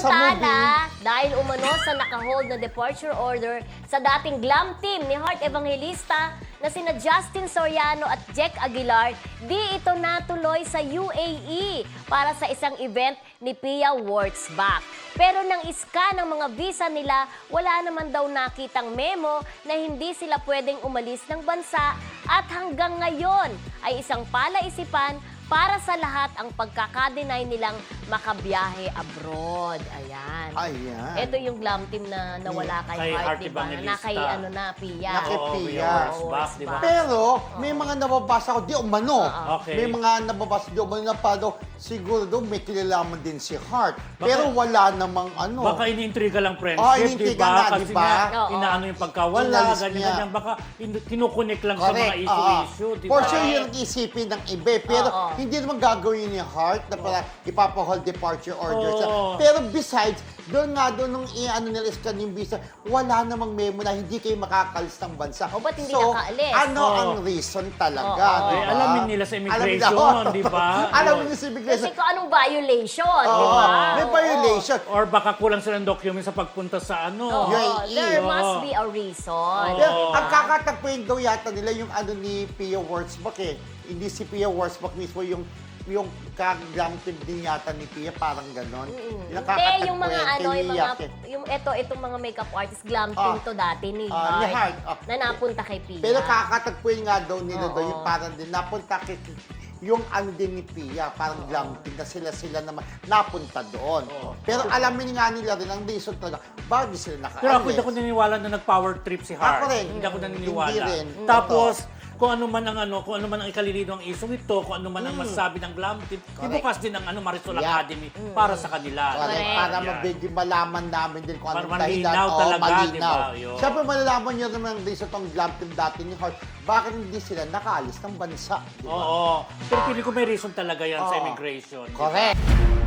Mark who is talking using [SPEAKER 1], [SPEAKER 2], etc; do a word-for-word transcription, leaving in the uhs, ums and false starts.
[SPEAKER 1] Samantala, dahil umano sa nakahold na departure order sa dating glam team ni Heart Evangelista na sina Justin Soriano at Jack Aguilar, di ito natuloy sa U A E para sa isang event ni Pia Wurtzbach. Pero nang iska ng mga visa nila, wala naman daw nakitang memo na hindi sila pwedeng umalis ng bansa at hanggang ngayon ay isang palaisipan para sa lahat ang pagkakadenay nilang makabiyahe abroad. Ayan.
[SPEAKER 2] Ayan.
[SPEAKER 1] Ito yung glam team na nawala kay,
[SPEAKER 3] Kay
[SPEAKER 1] Heart,
[SPEAKER 3] Heart
[SPEAKER 1] diba? Na
[SPEAKER 3] Evangelista.
[SPEAKER 1] kay ano na, Pia.
[SPEAKER 2] Na kay
[SPEAKER 3] Oo,
[SPEAKER 2] Pia.
[SPEAKER 3] Pia Wurtzbach, di ba?
[SPEAKER 2] Pero may mga nababasa ko, di umano.
[SPEAKER 3] Okay.
[SPEAKER 2] May mga nababasa di umano na pa daw, siguro daw may kilalaman din si Heart. Pero wala namang ano.
[SPEAKER 3] Baka iniintriga lang friendship,
[SPEAKER 2] Oh,
[SPEAKER 3] di
[SPEAKER 2] iniintriga
[SPEAKER 3] ba?
[SPEAKER 2] na,
[SPEAKER 3] Kasi
[SPEAKER 2] di ba?
[SPEAKER 3] nga,
[SPEAKER 1] Oo.
[SPEAKER 3] inaano yung pagkawala,
[SPEAKER 2] Inalis niya.
[SPEAKER 3] ganyan-ganyan. Baka in- kinukunik lang sa mga
[SPEAKER 2] Correct.
[SPEAKER 3] issue-issue,
[SPEAKER 2] Oo.
[SPEAKER 3] di
[SPEAKER 2] For
[SPEAKER 3] ba?
[SPEAKER 2] sure yun ang isipin ng iba. eh. Pero
[SPEAKER 1] Oo.
[SPEAKER 2] hindi naman gagawin ni Heart na para ipapa-hold departure order siya.
[SPEAKER 3] Oo.
[SPEAKER 2] Pero besides, doon nga doon nung i-ano nila iskan yung visa, wala namang memo na hindi kayo makakalis ng bansa.
[SPEAKER 1] O, ba't hindi
[SPEAKER 2] so,
[SPEAKER 1] nakaalis?
[SPEAKER 2] ano
[SPEAKER 3] Oo.
[SPEAKER 2] ang reason talaga,
[SPEAKER 1] Oo.
[SPEAKER 2] di
[SPEAKER 3] Eh,
[SPEAKER 2] ba?
[SPEAKER 3] alamin nila sa
[SPEAKER 2] Alam
[SPEAKER 3] immigration,
[SPEAKER 2] nila.
[SPEAKER 3] di ba?
[SPEAKER 2] Alam
[SPEAKER 3] Yun.
[SPEAKER 2] nila sa immigration.
[SPEAKER 1] Kasi kung anong violation, di
[SPEAKER 2] Oo.
[SPEAKER 1] ba?
[SPEAKER 2] May violation.
[SPEAKER 3] Or baka kulang sila ng document sa pagpunta sa ano.
[SPEAKER 1] Oo.
[SPEAKER 2] U A E.
[SPEAKER 1] There
[SPEAKER 3] Oo.
[SPEAKER 1] must be a reason.
[SPEAKER 3] Oo.
[SPEAKER 2] Yeah, ang kakatagpuin daw yata nila yung ano ni Pia Wurtzbach eh. Hindi si Pia Wurtzbach mismo yung yung kaglam team din yata ni Pia, parang ganon. Yung
[SPEAKER 1] Hindi,
[SPEAKER 2] kakatagpuin,
[SPEAKER 1] yung mga ano, yung mga,
[SPEAKER 2] tiniyak eh.
[SPEAKER 1] yung ito, itong mga makeup artist, glam team
[SPEAKER 2] Ah.
[SPEAKER 1] to dati ni
[SPEAKER 2] Ah, ni
[SPEAKER 1] Heart,
[SPEAKER 2] Heart, ah.
[SPEAKER 1] na napunta kay Pia.
[SPEAKER 2] Pero kakatagpuin nga daw nila
[SPEAKER 1] Oo.
[SPEAKER 2] daw yung parang din, napunta kay yung ano din ni Pia, parang glam team na sila-sila naman napunta doon. Pero alamin nga nila rin ang reason talaga, bakit sila nakaalis.
[SPEAKER 3] Pero ako hindi ako naniniwala na nag-power trip si Heart.
[SPEAKER 2] Ako rin.
[SPEAKER 3] Hindi ako naniniwala.
[SPEAKER 2] Hindi rin.
[SPEAKER 3] Tapos, kung ano man ang ano, kung ano man ang ikalilino ng issue ito, kung ano man ang masasabi ng glam team, ibukas din ang ano Marisol
[SPEAKER 2] Yeah.
[SPEAKER 3] Academy para sa kanila.
[SPEAKER 2] Correct.
[SPEAKER 1] Correct.
[SPEAKER 2] Para
[SPEAKER 3] Yan.
[SPEAKER 2] mabigyan malaman namin din kung
[SPEAKER 3] Para
[SPEAKER 2] anong dahilan.
[SPEAKER 3] malinaw
[SPEAKER 2] Oo,
[SPEAKER 3] talaga,
[SPEAKER 2] malinaw.
[SPEAKER 3] di ba? Yun.
[SPEAKER 2] Siyempre, malalaman nyo naman ang reason tong glam team dati ni Heart. Bakit hindi sila nakaalis ng bansa? Di ba?
[SPEAKER 3] Oo. Pero pili ko may reason talaga yan sa
[SPEAKER 2] Oo.
[SPEAKER 3] immigration. di ba?
[SPEAKER 2] Correct.